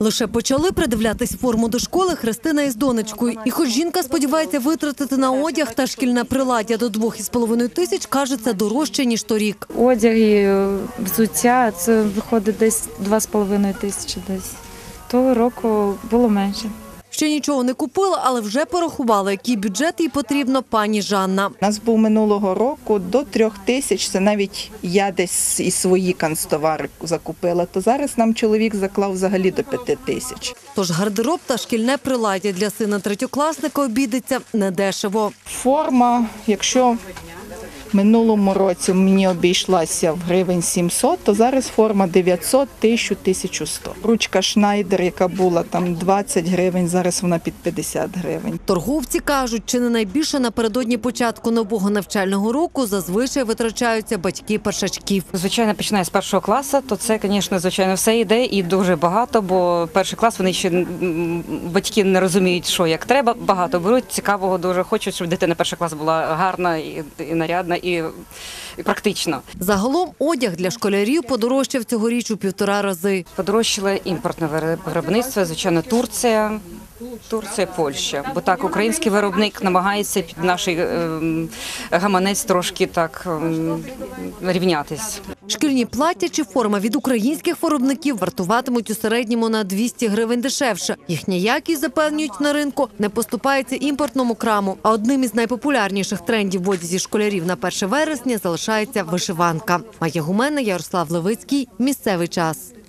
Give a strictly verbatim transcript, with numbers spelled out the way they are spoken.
Лише почали придивлятись форму до школи Христина із донечкою. І хоч жінка сподівається витратити на одяг та шкільне приладдя до двох із половиною тисяч, каже, це дорожче, ніж торік. Одяг і взуття – це виходить десь два з половиною тисячі десь. Того року було менше. Ще нічого не купила, але вже порахувала, який бюджет їй потрібно пані Жанна. У нас був минулого року до трьох тисяч, це навіть я десь і свої канцтовари закупила, то зараз нам чоловік заклав взагалі до п'яти тисяч. Тож гардероб та шкільне приладдя для сина третьокласника обійдеться недешево. Форма, якщо в минулому році мені обійшлася в гривень сімсот, то зараз форма дев'ятсот, тисяча, тисяча сто. Ручка Шнайдер, яка була там двадцять гривень, зараз вона під п'ятдесят гривень. Торговці кажуть, чи не найбільше напередодні початку нового навчального року зазвичай витрачаються батьки першачків. Звичайно, починає з першого класу, то це, звісно, звичайно, все йде і дуже багато, бо перший клас, вони ще, м, батьки не розуміють, що як треба, багато беруть, цікавого дуже, хочуть, щоб дитина перший клас була гарна і, і нарядна, і, і практична. Загалом одяг для школярів подорожчав цьогоріч у півтора рази. Подорожчало імпортне виробництво, звичайно, Турція, Турція, Польща. Бо так, український виробник намагається під наш ем, гаманець трошки так ем, рівнятись. Шкільні плаття чи форма від українських виробників вартуватимуть у середньому на двісті гривень дешевше. Їхня якість, запевнюють на ринку, не поступається імпортному краму. А одним із найпопулярніших трендів в одязі школярів на перше вересня залишається вишиванка. Майя Гумена, Ярослав Левицький. Місцевий час.